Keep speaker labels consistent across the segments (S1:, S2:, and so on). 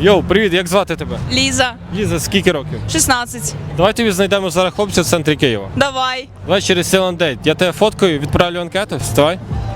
S1: Йоу, привіт, як звати тебе?
S2: Ліза,
S1: Ліза, скільки років?
S2: 16.
S1: Давай тобі знайдемо зараз хлопця в центрі Києва.
S2: Давай.
S1: Давай через Селандейт. Я тебе фоткаю, відправлю анкету, вставай.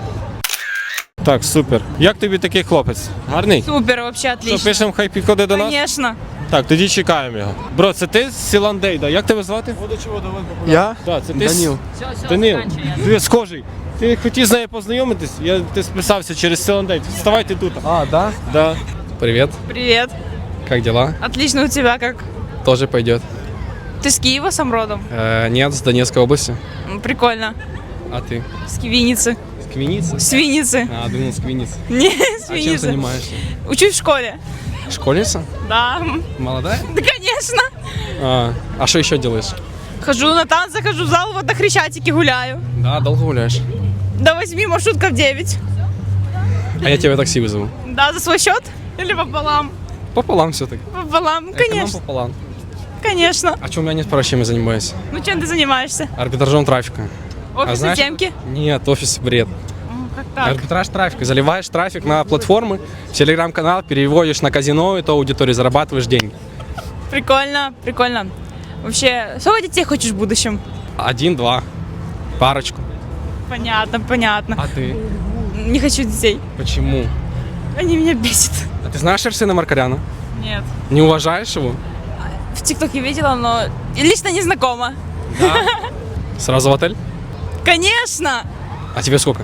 S1: Так, супер. Як тобі такий хлопець? Гарний?
S2: Супер, вообще
S1: Що,
S2: отлично.
S1: пишемо, хай підходить до нас?
S2: Конечно.
S1: Так, тоді чекаємо його. Бро, це ти з Селандейда, як тебе звати?
S3: Я?
S1: Так, це ти.
S3: Данил.
S1: Данил, ти схожий. Ти хотів з нею познайомитись? Ти списався через Селандейт. Вставайте тут.
S3: А, да?
S1: Да.
S3: Привет.
S2: Привет.
S3: Как дела?
S2: Отлично, у тебя как?
S3: Тоже пойдет.
S2: Ты с Киева сам родом?
S3: Нет, с Донецкой области.
S2: Прикольно.
S3: А ты?
S2: С Кивиницы.
S3: С Квиницы?
S2: С Винницы.
S3: А, думал, с Квиницы.
S2: Не, с
S3: А чем
S2: Винницы.
S3: занимаешься?
S2: Учусь в школе.
S3: Школьница?
S2: Да.
S3: Молодая?
S2: Да, конечно.
S3: А что еще делаешь?
S2: Хожу на танцы, хожу в зал, вот на Хрещатике гуляю.
S3: Да, долго гуляешь.
S2: До 8, маршрутка в 9.
S3: А я тебя такси вызову.
S2: Да, за свой счет? Или пополам?
S3: Пополам все-таки.
S2: Пополам,
S3: Эконом
S2: конечно.
S3: пополам.
S2: Конечно.
S3: А что у меня нет права, чем я занимаюсь?
S2: Ну, чем ты занимаешься?
S3: Арбитражом трафика.
S2: Офисные
S3: знаешь-
S2: темки?
S3: Нет, офис бред.
S2: Как так?
S3: Арбитраж трафика. Заливаешь трафик на платформы, в телеграм-канал, переводишь на казино, и то аудитории зарабатываешь деньги.
S2: Прикольно, прикольно. Вообще, сколько детей хочешь в будущем?
S3: 1-2. Парочку.
S2: Понятно, понятно.
S3: А ты?
S2: Не хочу детей.
S3: Почему?
S2: Они меня бесят.
S3: А ты знаешь Арсена Маркаряна?
S2: Нет.
S3: Не уважаешь его?
S2: В ТикТоке видела, но лично не знакома.
S3: Да. Сразу в отель?
S2: Конечно!
S3: А тебе сколько?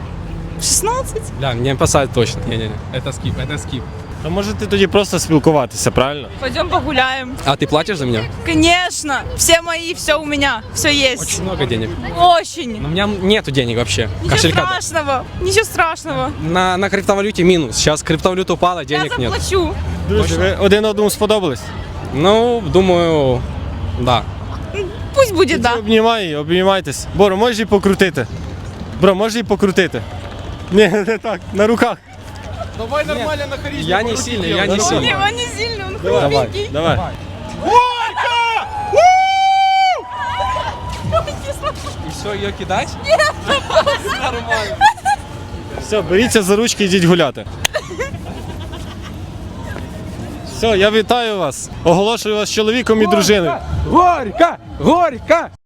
S2: 16?
S3: Бля, не посадят точно. Не-не-не. Это скип, это скип.
S1: А можете тоді просто спілкуватися, правильно?
S2: Пойдем погуляем.
S3: А ты платишь за меня?
S2: Конечно! Все мои, все у меня. Все есть.
S3: Очень много денег.
S2: Очень.
S3: Но у меня нету денег вообще.
S2: Ничего
S3: Кошелька.
S2: страшного. Ничего страшного.
S3: На криптовалюте минус. Сейчас криптовалюта упала, денег
S2: Я
S3: нет.
S2: заплачу.
S1: Друзі, ви один одному сподобались?
S3: Ну, думаю, да.
S2: Пусть будет, да.
S1: Обнімайтесь. Боро, можеш її покрутити? Бро, можеш її покрутити? Ні, не так, на руках.
S3: Давай нормально на харизме. Я не сильный, я не
S2: Не,
S3: сильный.
S2: он не сильный, он
S1: Давай,
S2: худенький.
S1: давай.
S3: И все, ее кидать? Нормально.
S1: Все, беріться за ручки, йдіть гуляти. Все, я вітаю вас. Оголошую вас чоловіком і дружиною.
S3: Горько! Горько!